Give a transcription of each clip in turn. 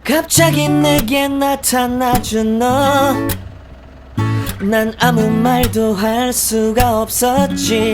갑자기 내게 나타나준 너 난 아무 말도 할 수가 없었지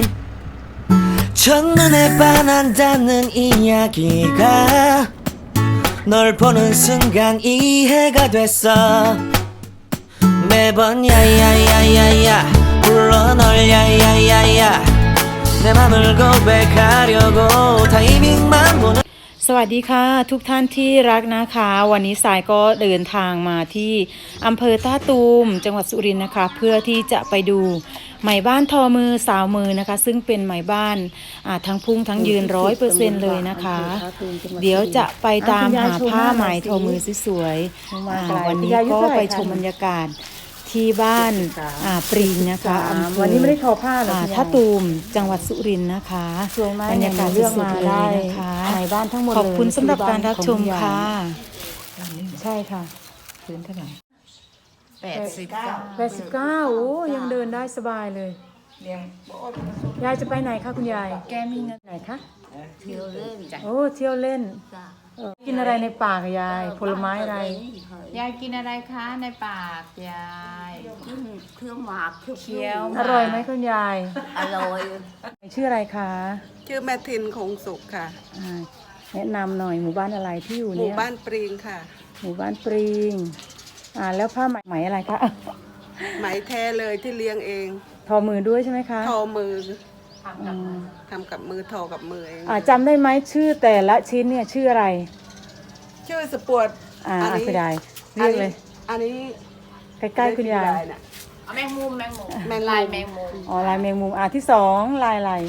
첫눈에 반한다는 이야기가 널 보는 순간 이해가 됐어 매번 야야야야야 불러 널 야야야야 내 맘을 고백하려고 타이밍만 보는 สวัสดีค่ะทุกท่านที่รักนะคะวันนี้สายก็เดินทางมาที่อำเภอท่าตูมจังหวัดสุรินทร์นะคะเพื่อที่จะไปดูไหมบ้านทอมือสาวมือนะคะซึ่งเป็นไหมบ้านทั้งพุ่งทั้งยืน100%เลยนะคะเดี๋ยวจะไปตามหาผ้าไหมทอมือสวยๆวันนี้ก็ไปชมบรรยากาศที่บ้านปริงนะคะวันนี้ไม่ได้ทอผ้าหรอท่าตูมจังหวัดสุรินทร์นะคะบรรยากาศสุดๆเลยนะคะในบ้านทั้งหมดขอบคุณสำหรับการรับชมค่ะใช่ค่ะพื้นเท่าไหร่ 89โอ้ยังเดินได้สบายเลยยายจะไปไหนคะคุณยายแกมีเงินไหนคะเที่ยวเล่นจ้ะโอ้เที่ยวเล่นกินอะไรในป่ากับยายผลไม้อะไรยายกินอะไรคะในปากยายเครื่องหมากเคี้ยวอร่อยไหมคุณยายอร่อยชื่ออะไรคะชื่อแม่ทินคงสุขค่ะแนะนำหน่อยหมู่บ้านอะไรที่อยู่เนี่ยหมู่บ้านปริงค่ะหมู่บ้านปริงแล้วผ้าไหมอะไรคะไหมแท้เลยที่เลี้ยงเองทอมือด้วยใช่ไหมคะทอมือทำกับมือทอกับมือเองจำได้ไหมชื่อแต่ละชิ้นเนี่ยชื่ออะไรชื่อสปวดคุณยายเรียกเลยอันนี้ใกล้ๆคุณยายแมงมุมลายแมงมุมลายแมงมุมที่สองลายอะไร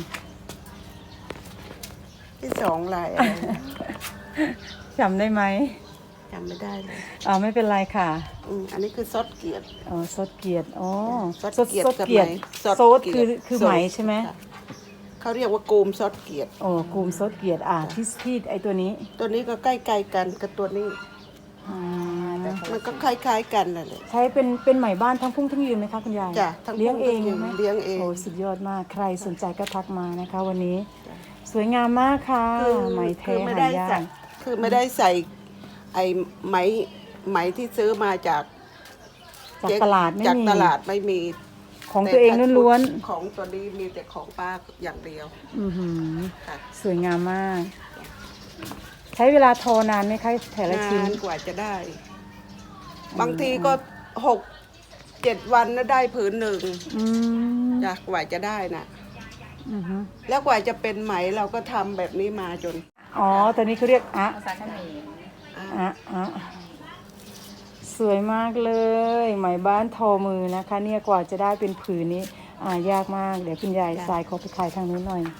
ที่สองลายจำได้ไหมจำไม่ได้เลยไม่เป็นไรค่ะอันนี้คือซดเกียรติซดเกียรติซดเกียรติซดคือไหมใช่ไหมเขาเรียกว่ากูมซดเกียรติกูมซดเกียรติที่ไอตัวนี้ก็ใกล้ๆกันกับตัวนี้มันก็คล้ายๆกันนั่นแหละใช้เป็นไหมบ้านทั้งพุ่งทั้งยืนไหมคะคุณยายจ้ะเลี้ยงเองไหมเลี้ยงเองสุดยอดมากใครสนใจก็ทักมานะคะวันนี้สวยงามมากค่ะไหมแท้หายากคือไม่ได้ใส่ไอ้ไหมที่ซื้อมาจากตลาดไม่มีของตัวเองล้วนๆของตัวนี้มีแต่ของป้าอย่างเดียวสวยงามมากใช้เวลาทอนานไหมคะแต่ละชิ้นกว่าจะได้บางทีก็6-7 วันนะได้ผืนหนึ่งจากกว่าจะได้นะแล้วกว่าจะเป็นไหมเราก็ทำแบบนี้มาจนตอนนี้เขาเรียกภาษาเขมรสวยมากเลยไหมบ้านทอมือนะคะเนี่ยกว่าจะได้เป็นผืนนี้ยากมากเดี๋ยวคุณยายสายขอไปขายทางนู้นหน่อย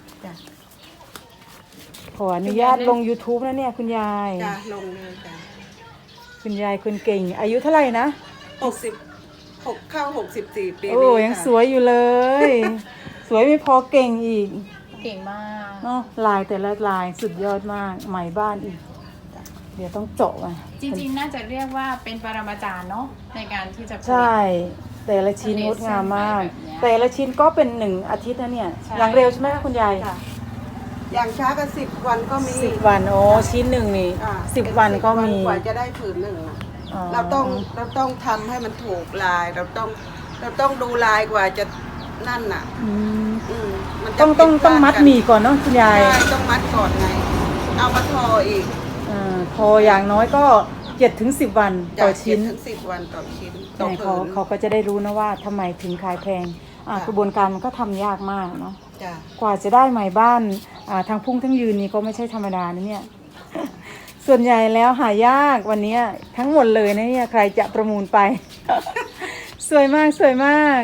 ขออนุญาตลง YouTube นะเนี่ยคุณยายลงเลยจ้ะคุณยายคนเก่งอายุเท่าไหร่นะ 66เข้า64ปีนี้ยังสวยอยู่เลยสวยไม่พอเก่งอีกเก่งมากเนาะลายแต่ละลายสุดยอดมากไหมบ้านอีกเดี๋ยวต้องเจาะมาจริงๆน่าจะเรียกว่าเป็นปรมาจารย์เนาะในการที่จะใช่แต่ละชิ้นงดงามมากแต่ละชิ้นก็เป็น1 อาทิตย์นะเนี่ยอย่างเร็วใช่ไหมคะคุณยายอย่างช้าก็10 วันก็มี 10 วันชิ้นหนึ่งนี่10 วันก็มีกว่าจะได้ผืนหนึ่งเราต้องทำให้มันถูกลายเราต้องดูลายกว่าจะนั่นน่ะต้องมัดหมี่ก่อนเนาะคุณยายต้องมัดก่อนไงเอามาทออีกพออย่างน้อยก็7-10 วันต่อชิ้น 7-10 วันต่อชิ้นเขาก็จะได้รู้นะว่าทำไมถึงขายแพงกระบวนการมันก็ทำยากมากเนาะกว่าจะได้ไหมบ้านทางพุ่งทั้งยืนนี่ก็ไม่ใช่ธรรมดานะเนี่ยส่วนใหญ่แล้วหายากวันนี้ทั้งหมดเลยนะเนี่ยใครจะประมูลไป สวยมากสวยมาก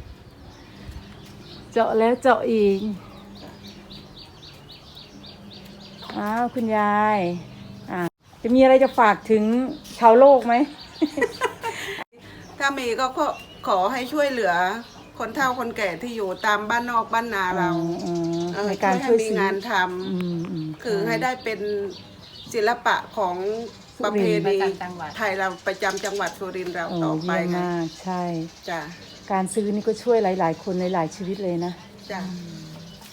เจาะแล้วเจาะอีกคุณยายจะมีอะไรจะฝากถึงชาวโลกไหมถ้ามีก็ขอให้ช่วยเหลือคนเฒ่าคนแก่ที่อยู่ตามบ้านนอกบ้านนาเราในการช่วยมีงานทำคือให้ได้เป็นศิลปะของประเพณีไทยเราประจำจังหวัดสุรินทร์เราต่อไปไงใช่จ้ะการซื้อนี่ก็ช่วยหลายๆคนหลายๆชีวิตเลยนะจ้ะ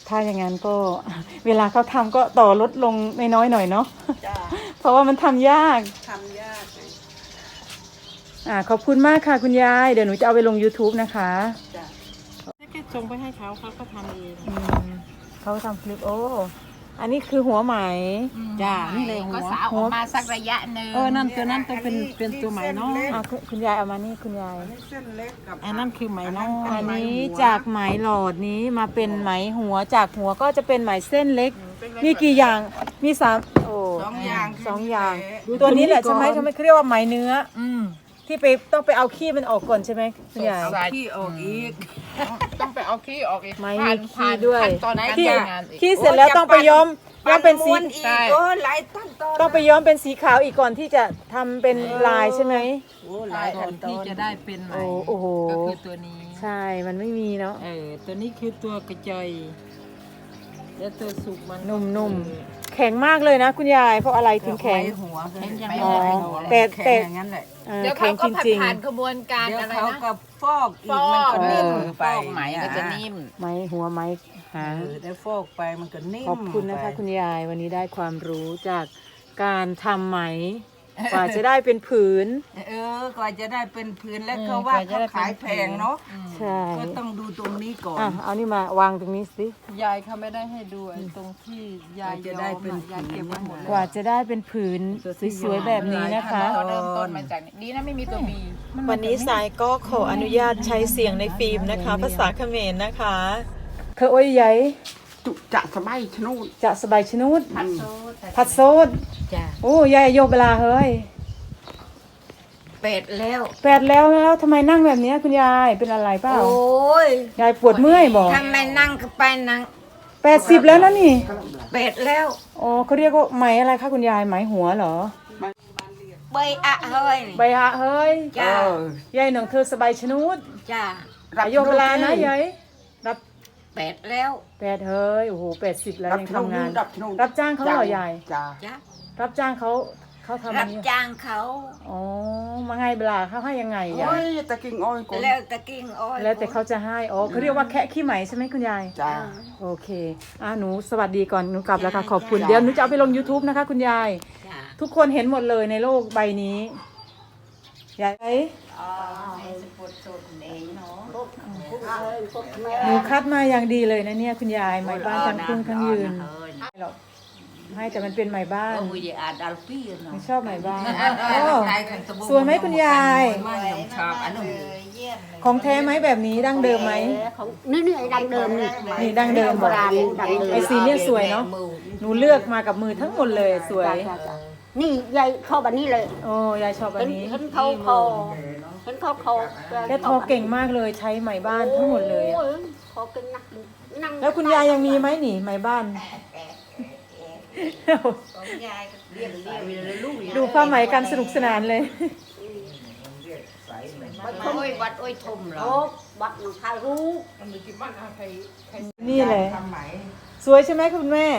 ถ้าอย่างนั้นก็ เวลาเขาทำก็ต่อลดลงน้อยๆหน่อยเนาะจ้าเพราะว่ามันทำยากทำยากไงขอบคุณมากค่ะคุณยาย เดี๋ยวหนูจะเอาไปลง YouTube นะคะจ้าแค่ส่งไปให้เขาเขาก็ทำเองเขาทำคลิปโอ้ อันนี้คือหัวไหมจ้านี่เลยก็สาวออกมาสักระยะหนึ่งนั่นตัวนั้นต้องเป็นตัวไหมเนาะคุณยายเอามานี่คุณยายนี่เส้นเล็กกับอันนั้นคือไหมเนาะอันนี้จากไหมหลอดนี้มาเป็นไหมหัวจากหัวก็จะเป็นไหมเส้นเล็ก มีกี่อย่างมีสามโอ้สองอย่างสองอย่าง ตัวนี้แหละใช่ไหมเขาไม่เรียกว่าไหมเนื้อที่ไปต้องไปเอาขี้มันออกก่อนใช่ไหมคุณยายขี้ออกอีกต้องไปเอาขี้ออกอีกไม่มีขี้ด้วยขั้นตอนการขี้ทำงานอีกขี้เสร็จแล้วต้องไปย้อมเป็นสีใช่โอ้หลายขั้นตอนต้องไปย้อมเป็นสีขาวอีกก่อนที่จะทำเป็นลายใช่ไหมโอ้หลายขั้นตอที่นจะได้เป็นไหมโอ้โหก็คือตัวนี้ใช่มันไม่มีเนาะตัวนี้คือตัวกระจอยแล้วตัวสุกมันนุ่มๆแข็งมากเลยนะคุณยายเพราะอะไรถึงแข็งหัวแข็งยังอ๋อไงแต่แข็งอย่างนั้นแหละเดี๋ยวแข็เขางก็จริงผ่านกระบวนการเดี๋ยวอะไรเขานะก็ฟอกอีฟกอกมันก็นิ่มฟอกไหมก็จะนิ่มๆไม้หัวไม้หางได้ฟอกไปมันก็นิ่มขอบคุณนะคะไปคุณยายวันนี้ได้ความรู้จากการทำไหมกว่าจะได้เป็นผืนกว่าจะได้เป็นพื้นแล้วเขาว่าเขาขายแพงเนาะใช่ก็ต้องดูตรงนี้ก่อนเอานี่มาวางตรงนี้สิยายเขาไม่ได้ให้ดูไอ้ตรงที่ยายจะได้เป็นยายเก็บไว้หมดกว่าจะได้เป็นผืนสวยๆแบบนี้นะคะเริ่มต้นมาจากนี้ดีนะไม่มีตัวบีวันนี้สายก็ขออนุญาตใช้เสียงในฟิล์มนะคะ ภาษาเขมรนะคะเธอโอ้ยใหญ่จุจะสบายชนุดจะสบายชนุดผัดโซดจ้ะโอ้ยายโยกเวลาเฮ้ยเป็ดแล้วแปดแล้วทำไมนั่งแบบนี้คุณยายเป็นอะไรเปล่าโอ้ยยายปวดเมื่อยบอกทำไมนั่งก็ไปนั่ง 80แล้วนะนี่เป็ดแล้วอ๋อเขาเรียกว่าไหมอะไรคะคุณยายไหมหัวเหรอใบอะเฮ้ยใบหะเฮ้ยจ้ายายหนองเธอสบายชนุดจ้าโยกเวลานะยายรับเป็ดแล้ว 8เฮ้ยโอ้โห80แล้วยังทำงาน รับจ้างเขาเหรอยายจ้าจ้ารับจ้างเขาทำอัรันบนี้จ้างเขาอ๋อมาไงเวลาเขาให้ยังไงยาโอ้ยยตะกิ้งอ้อยก่อนแล้วตะกิ้งอ้อยแล้วแต่เขาจะให้อ๋อเขาเรียกว่าแคะขี้ไหมใช่ไหมคุณยายจ้าโอเคหนูสวัสดีก่อนหนูกลับแล้วค่ะขอบคุณเดี๋ยวหนูจะเอาไปลง YouTube นะคะคุณยายจ้าทุกคนเห็นหมดเลยในโลกใบนี้ยาย หนูคัดมาอย่างดีเลยนะเนี่ยคุณยายไม้บ้านทั้งครึ่งทั้งยืนหรอกให้แต่มันเป็นไม้บ้านวิญญาณดัลฟี่เนาะไม่ชอบไม้บ้านโอ้สวยไหมคุณยายชอบอันนั้นของแท้ไหมแบบนี้ดั้งเดิมไหมของนี่ไอ้ดังเดิมนี่นี่ดั้งเดิมโบราณดังเดิมไอสีเนี่ยสวยเนาะหนูเลือกมากับมือทั้งหมดเลยสวยนี่ยายเข้าแบบนี้เลยโอ้ยายชอบอันนี้เห็นเขาคอเห็นเขาคอแกทอเก่งมากเลยใช้ไหมบ้านทั้งหมดเลยอะโอ้คอเก่งนักนั่งแล้วคุณยายยังมีไหมหนิไหมบ้าน ดูผ้าไหมกันสนุกสนานเลยโอ้ยวัดโอ้ยทุ่มเหรอโอ้บักหนูถ่ายรูปนี่เลยสวยใช่ไหมคุณแม่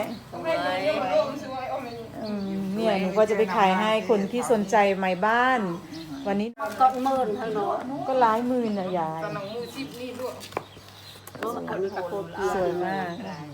เนี่ยหนูก็จะไปขายให้คนที่สนใจไหมบ้าน วันนี้ก็เมินให้เนาะก็หลายหมื่นนะยายเนาะอันนี้ก็โคตรสวยมาก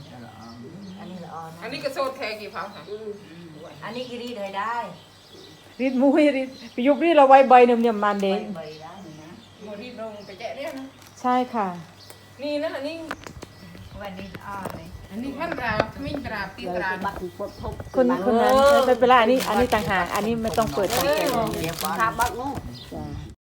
อันนี้ก็โซดแทกี่พังค่ะอันนี้กีรีดให้ได้รีดมุ้ยรีดไปยุบรีดเราไว้ใบหนึ่งเนี่ยมันเด็กใบได้นะโมรีลงไปแจกเนี่ยนะใช่ค่ะนี่นะอันนี้วันนี้อ้อเลยอันนี้ขั้นตรามิ้นตราตีตราบักปวดทุกคนนั้นไม่เป็นไรอันนี้ต่างหากอันนี้ไม่ต้องเปิดต่างแก่ทาบักนู้จ้ะ